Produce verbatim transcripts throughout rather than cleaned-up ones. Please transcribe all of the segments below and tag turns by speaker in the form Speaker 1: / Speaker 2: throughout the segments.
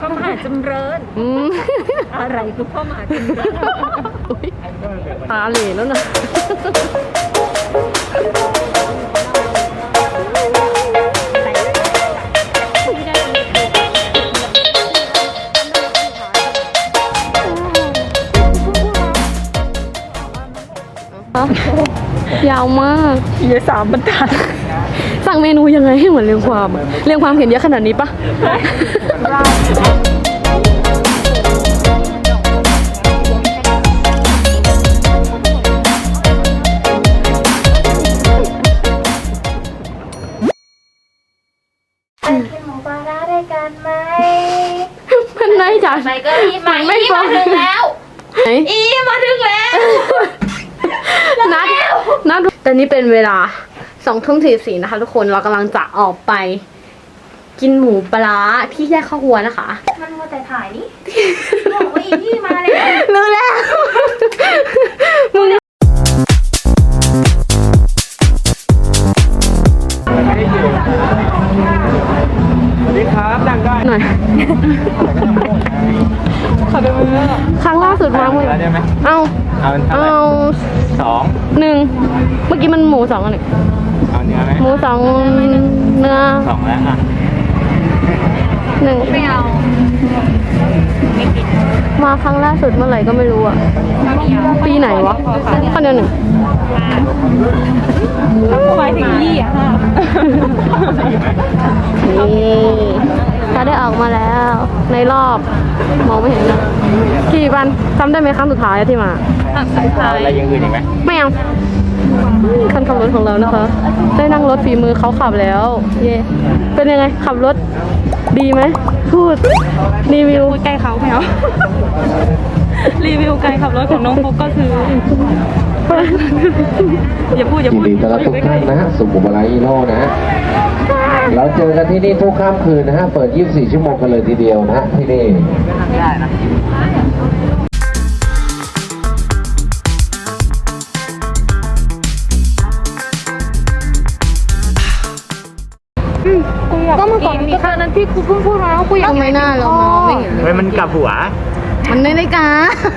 Speaker 1: พระมหาจำเริญอะไรคือพระมหาจำเริญ
Speaker 2: ตาเหล่แล้วนะยาวมากเยอะสามบรรทัดสั่งเมนูยังไงให้เหมือนเรียงความเรียงความเห็นเยอะขนาดนี้ปะมันไม่จ้ะ
Speaker 1: ไปก็อีมาอีมาถึงแล้วอีมาถึงแล้ว
Speaker 2: นัดนัดแต่นี่เป็นเวลาสองทุ่มสี่สี่นะคะทุกคนเรากำลังจะออกไปกินหมูปลาที่แยกข้าวหัวนะคะ
Speaker 1: มันมัวแต่ถ่ายนี่บอกว่าอีที่มาเลย
Speaker 2: รู้แล้วมึง
Speaker 3: สวัสดีครับนั่งได้
Speaker 2: หน่อย
Speaker 3: ขอดูมือ
Speaker 2: ครั้งล่าสุดมาเมื่อเอา
Speaker 3: เอาเอาสอง
Speaker 2: หนึ่งเมื่อกี้มันหมูสองอันหนึ่ง
Speaker 3: เอาเนื้อไหม
Speaker 2: หมูสองเนื้อ
Speaker 3: สองแล้วอ่ะ
Speaker 2: หนึ่งไม่เอามาครั้งล่าสุดเมื่อไหร่ก็ไม่รู้อ่ะปีไหนวะข้าวเหนียวหนึ่ง
Speaker 1: หมายถึงยี่อ่ะ
Speaker 2: นี่ถ้าได้ออกมาแล้วในรอบมองไม่เห็นนะกี่วันจำได้ไหมครั้งสุดท้ายที่มา
Speaker 3: อะไรยังอื่นอีกไหม
Speaker 2: ไม่เอาคันขับรถของเรานะคะได้นั่งรถฝีมือเขาขับแล้วเย่เป็นยังไงขับรถดีไหมพูดรีวิว
Speaker 1: ใกล้เขาไหมเอารีวิวการขับรถของน้องฟุกก็คืออย่าพูดอย่าพูด
Speaker 4: ยินดีต้อนรับทุกท่านนะฮะสุขุมวิทฮีโร่นะฮะเราเจอกันที่นี่ทุกค่ำคืนนะฮะเปิดยี่สิบสี่ชั่วโมงกันเลยทีเดียวนะฮะที่นี่ได้นะ
Speaker 2: ก็เมื่อก่อนมีแค่นั้นที่ครูเพิ่งพูดมาว่ากูอยากไม่น่าเรามองไม่เห็น
Speaker 3: เฮ้ยมันกลับหัว
Speaker 2: มันไม่ได้กา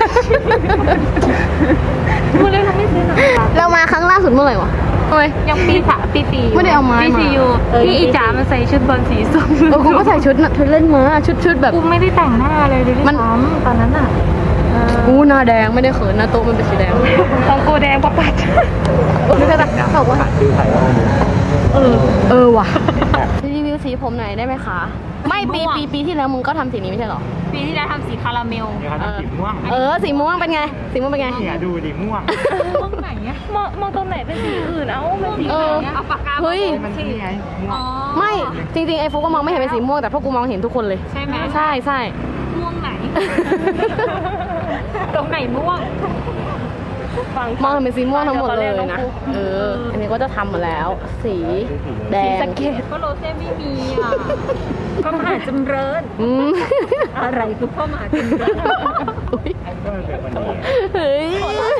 Speaker 2: พูดเลยเราไม่ซื้อหนังเรามาครั้งล่าสุดเมื่อไหร่วะทำไม
Speaker 1: ยังปีสามปีสี่
Speaker 2: ไม่ได้เอามา
Speaker 1: ปีสี่อยู่ที่อีจ๋ามันใส่ชุดบอลสีส้ม
Speaker 2: เออกูก็ใส่ชุดน่ะชุดเล่นมาชุดชุดแบบ
Speaker 1: กูไม่ได้แต่งหน้าเลยด้วยซ้ำตอนนั้นอ่ะ
Speaker 2: กูหน้าแดงไม่ได้เขินนะโต๊ะมันเป็นสีแดง
Speaker 1: ของกูแดงปะปัด
Speaker 2: นี่ก็แบบบอกว่าเออเออว่ะรีวิวสีผมหน่อยได้ไหมคะไม่ปีปีปีที่แล้วมึงก็ทำสีนี้ไม่ใช่หรอ
Speaker 1: ปีที่แล้วทำสีคาราเมล
Speaker 3: สีม่วง
Speaker 2: เออสีม่วงเป็นไงสีม่วงเป็นไง
Speaker 3: เนี่ยดูดิม่วง
Speaker 1: ม่วงไหนเนี่ยมองมองตรงไหนเป็นสีอื่นเอ้าเป็นสีไหนเอาปากกา
Speaker 2: เฮ้ย
Speaker 3: มันสีไง
Speaker 2: ไม่จริงๆไอ้ฟุกก็มองไม่เห็นเป็นสีม่วงแต่พวกกูมองเห็นทุกคนเลย
Speaker 1: ใช่ไหม
Speaker 2: ใช่ใช่
Speaker 1: ม่วงไหนตรงไหนม่วง
Speaker 2: มองเห็นเป็นสีม่วงทั้งหมดเลยนะเอออันนี้ก็จะทำมาแล้วสีแดง
Speaker 1: สังเกตก็โรเซ่ไม่มีอ่ะพระมหาจำเริญอะไรคือพระมหาจำเริญ
Speaker 2: เฮ้ย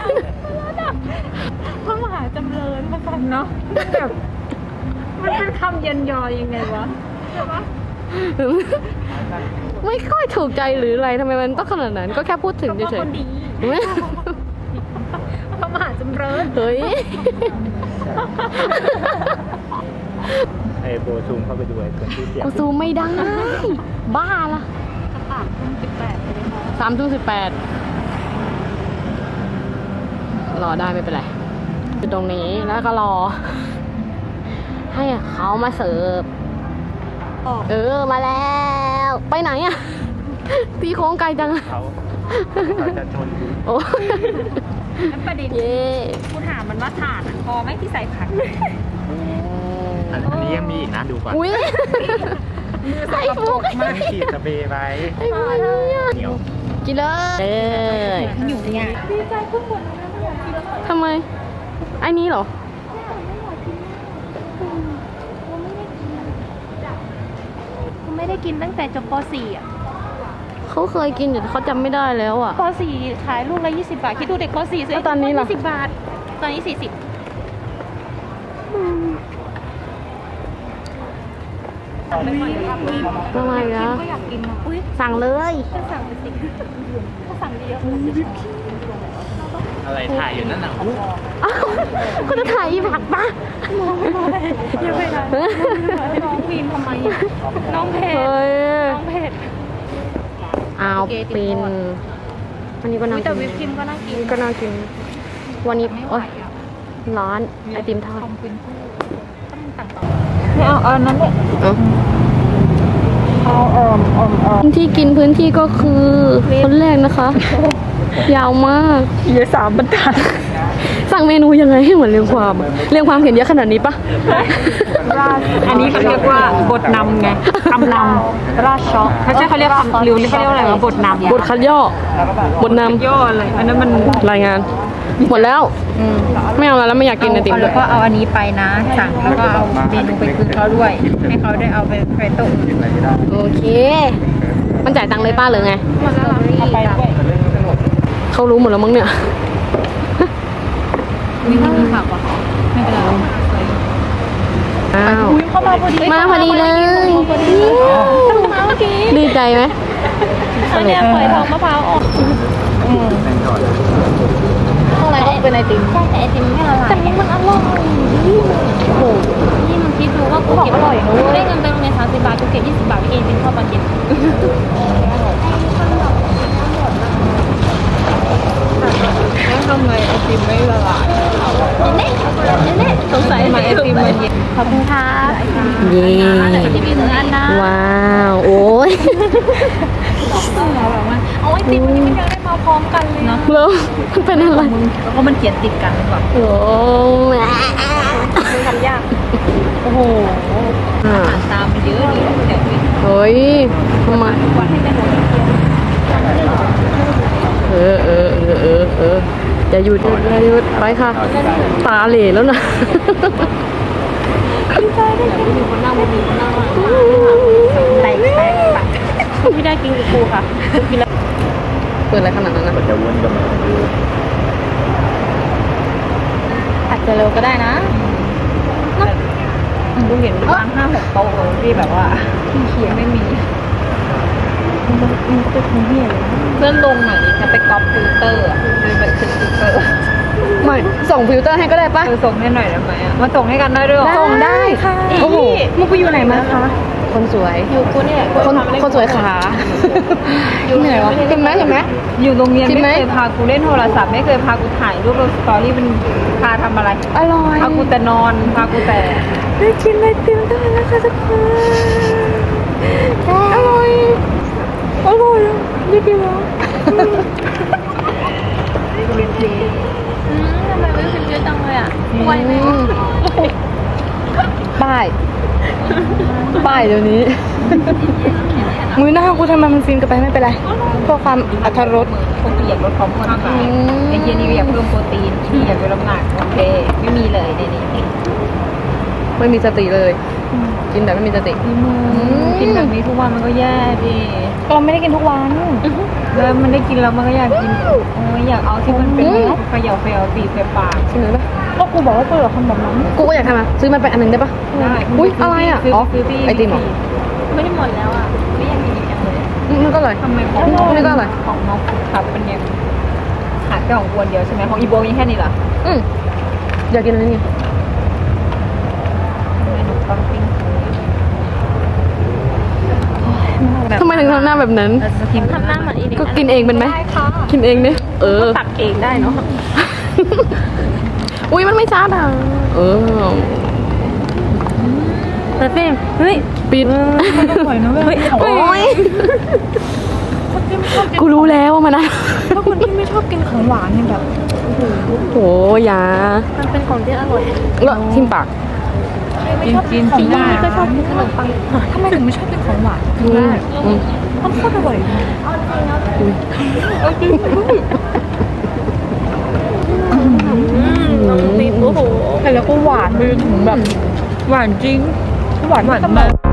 Speaker 1: พระมหาจำเริญมากันเนาะแบบมันเป็นคำเย็นยอยังไงวะใช่ปะ
Speaker 2: ไม่ค่อยถูกใจหรืออะไรทำไมมันต้องขนาดนั้นก็แค่พูดถึงเฉย
Speaker 1: พระมหาจำเริญ
Speaker 2: เฮ้ย
Speaker 3: ไอ้โบซูมเข้าไปดูไอ้คนที่เสีย
Speaker 2: กูซูมไม่ได้บ้าละ
Speaker 1: สามทุ่มสิบแปด
Speaker 2: สามทุ่มสิบแปดรอได้ไม่เป็นไรอยู่ตรงนี้แล้วก็รอให้เขามาเสิร์ฟเออมาแล้วไปไหนอ่ะตีโค้งไกลจัง
Speaker 3: เขาจะชน
Speaker 2: โอ้
Speaker 1: ประเด็นกูถามมันว่าถาดพอไหมที่ใส่ผัก
Speaker 3: อันนี้ยังมีอีกนะดูก่อน
Speaker 2: อุ้ย
Speaker 1: ใส่ฟุก
Speaker 3: มาขีดสเปรย์ไปเหนียว
Speaker 2: กินเลยเลย
Speaker 1: อยู่เนี่ยดีใจขึ้นหมดเลย
Speaker 2: ทำไมไอ้นี้เหรอ
Speaker 1: ไม่ได้กินตั้งแต่จบป สี่อ่ะ
Speaker 2: เขาเคยกินอยู่เขาจำไม่ได้แล้วอ่ะ
Speaker 1: ป สี่ขายลูกละยี่สิบบาทคิดดูเด็กป สี่ซื้อ
Speaker 2: ตอนนี้ล่ะ
Speaker 1: ยี่สิบบาทตอนนี้สี่สิบสั่งไปก่อนครับ
Speaker 2: ทำไมนะ
Speaker 1: ก็อยากกินอ่ะอุ้ย
Speaker 2: สั่งเลย
Speaker 1: ก็สั่งไปสิก็สั่งเยอะ
Speaker 3: อะไรถ่ายอยู่นั่นน่ะ
Speaker 2: อ้าวก็จะถ่ายอีผักปะ
Speaker 1: อย่าไปนะน้องวีนทำไมน้องเพจ
Speaker 2: เฮ้ย
Speaker 1: น้องเพจ
Speaker 2: เอาปินวันนี้ก็น่า
Speaker 1: แต่
Speaker 2: กิน
Speaker 1: วิปครีมก็น่ากิน
Speaker 2: ก็น่ากิน วันนี้
Speaker 1: ไม่ไหว
Speaker 2: โอ๊ย
Speaker 1: อ่ะ
Speaker 2: ร้อนไอติมทอด
Speaker 1: ต้องกินต้องสั่งต่อไม่เอาเอานั้นเลย
Speaker 2: เอา
Speaker 1: เอาเอ่อเอ่อเอ่อ
Speaker 2: ที่กินพื้นที่ก็คือคนแรกนะคะ ยาวมาก
Speaker 1: เยอะสามบรรทัด
Speaker 2: สั่งเมนูยังไงให้เหมือนเรียงความอะเรียงความเขียนเยอะขนาดนี้ปะ
Speaker 1: อันนี้เขาเรียกว่าบทนำไงคำนำราชช็อกไม่ใช่เขาเรียกคำหรือเขาเรียกว่าอะไรวะบทนำ
Speaker 2: บทคัดย่อบทน
Speaker 1: ย่ออะไรอันนั้นมัน
Speaker 2: ำรายงาน หมดแล้ว ไม่เอาแล้วไม่อยากกินไอติมด้
Speaker 1: แล้ว วย ก็เอาอันนี้ไปนะสั่งแล้วก็เอาเมนูไปคืนเขาด้วย ให้เขาได้เอาไปไปโต๊ะ
Speaker 2: โอเค มันจ่ายตังค์เลยป้าหรือไง
Speaker 1: เอาไปด้วย
Speaker 2: เขารู้หมดแล้วมั้งเนี่ย
Speaker 1: มีมีผักวะไม่เป็นไร
Speaker 2: อ้าว
Speaker 1: เข้ามาพอดี
Speaker 2: มาพอดีเลย
Speaker 1: มาเมื่อกี้
Speaker 2: ดีใจไหม
Speaker 1: อันเนี้ยเผยทองมะพร้าวอ่อน
Speaker 2: ข้างในเป็นไอติม
Speaker 1: ใช่แต่ไอติมไม่ละลายแต่มันอร่อย
Speaker 2: โอ้โห
Speaker 1: นี่มันคิดดูว่ากูเก็บอร่อยนะได้เงินไปโรงเรียนสามสิบบาทกูเก็บยี่สิบบาทไปกินเป็นข้าวปลาเก็บทำไมไอติมไม่ละลายเน่เน่สงสัยทำไมไอติมมันเย็นขอบคุณค่ะ
Speaker 2: เย้
Speaker 1: ที่มีหนึ่งอันนะ
Speaker 2: ว้าว โอ้ย
Speaker 1: เอาไอติมนี้มันยังได้มาพร้อมกันเลยเนาะ
Speaker 2: แล้วมันเป็นอะไร
Speaker 1: แล้วก็มันเขียนติดกันแบบ
Speaker 2: โอ้ย
Speaker 1: ทำยาก
Speaker 2: โอ้โหอ่า
Speaker 1: ตามมันเยอะดีเดี๋ยว
Speaker 2: เฮ้ยทำไม
Speaker 1: วันให้ได้หมด
Speaker 2: เออเออเออเออเอออย่าหยุดอย่าหยุดไปค่ะ ตาเหล่แล้วนะ
Speaker 1: แตกแตกไม่ได้กินกับครูค่ะกินแล้ว
Speaker 2: เปิดอะไรขนาดนั้นนะ
Speaker 3: มันจะวนกลับมาดู
Speaker 1: อาจจะเร็วก็ได้นะดูเห็นประมาณห้าหกโต๊ะที่แบบว่าที่เขียนไม่มีมันก็เป็นคนเหี้ยเลยเพื่อนลงหน่อยดิจะไปก๊อปฟิลเตอร์อ่ะคือเป็นฟิลเตอร์
Speaker 2: ไม่ส่งฟิลเตอร์ให้ก็ได้ปะ
Speaker 1: คือส่งให้หน่อยได้ไหมอ่ะมาส่งให้กันได้ด้วยหรอ
Speaker 2: ส่งได้ค่ะโอ้โห
Speaker 1: มึงไปอยู่ไหนมาคะ
Speaker 2: คนสวย
Speaker 1: อยู่กูเนี่ย
Speaker 2: คนคนสวยขาอยู่เหนื่อยวะเห็นไหมเห็นไหม
Speaker 1: อยู่โรงเรียน
Speaker 2: จริงไหม
Speaker 1: ไม่เคยพากูเล่นโทรศัพท์ไม่เคยพากูถ่ายรูปลงสตอรี่มันพาทำอะไร
Speaker 2: อร่อย
Speaker 1: พากูแต่นอนพากูแต่
Speaker 2: ได้กินไอติมได้แล้วค่ะทุกคนอร่อยอร่อยได้กินแล้ว
Speaker 1: อืมทำไมไม่เป็นเยอะจังเลยอ่ะป่วยไหม
Speaker 2: ป้ายป้ายเดี๋ยวนี้มือหน้ากูทำไมมันฟินกันไปไม่เป็นไรเพื่อความอรรถรส
Speaker 1: คงอยากลดความอ้วนไปไอ้เหี้ยนี่อยากเพิ่มโปรตีนที่อยากลดน้ำหนักโอเคไม่มีเลยในนี้
Speaker 2: ไม่มีสติเลย กินแบบไม่มีสติ
Speaker 1: กินแบบนี้ทุกวันมันก็แย่ดิ
Speaker 2: เราไม่ได้กินทุกวัน
Speaker 1: แล้วมันได้กินแล้วมันก็อยากกินโอ้ยอยากเอาที่มันเป็นเขย่าเขย่าตีใส่ปาก
Speaker 2: จริงหรือเปล่า
Speaker 1: ก็กูบอกว่ากูอยากทำแบบนั้น
Speaker 2: กูก็อยากทำอ่ะซื้อมันไปอันหนึ่งได้ปะ
Speaker 1: ได้
Speaker 2: อุ้ยอะไรอ่ะอ๋อไอติมเหรอ
Speaker 1: ไม่ได้หมดแล้วอ่ะไม่อยากกินอีกอย่างเลย
Speaker 2: อืมมันก็อร่อย
Speaker 1: ทำไมของ
Speaker 2: นี่ก็อร่อย
Speaker 1: ของน้องขับเป็นยังขาดแค่ของกวนเดียวใช่ไหมของอีโบมีแค่นี้เหรอ
Speaker 2: อืมอยากกินอะไรนี่
Speaker 1: เมนูปังปิ้ง
Speaker 2: ทำไมถึงทำหน้าแบบนั้น
Speaker 1: ทำหน้าเหมือนอีก
Speaker 2: ก็กินเองเป็นไหมกินเองเนี่ยเออ
Speaker 1: ตักเองได้เนาะ
Speaker 2: อุ้ยมันไม่ชัดอ่ะเออ
Speaker 1: แต่เฟมเฮ้ย
Speaker 2: ปิด
Speaker 1: ปล่อยนะเว้ย
Speaker 2: โอ้ยกูรู้แล้วว่ามันนะ
Speaker 1: ถ้าคนที่ไม่ชอบกินของหวานเนี่ยแบบ
Speaker 2: โอ้ยา
Speaker 1: มันเป็นของที่อร่อย
Speaker 2: แล้วทิมปาก
Speaker 1: กินกินกินได้ก็ชอบกินขนมปังทำไมถึงไม่ชอบกินของหวาน
Speaker 2: อืมอืม
Speaker 1: มันโคตรอร่อยตีโอ้โหแล้วก็หวานไปถึงแบบหวานจริงหวานหวานมาก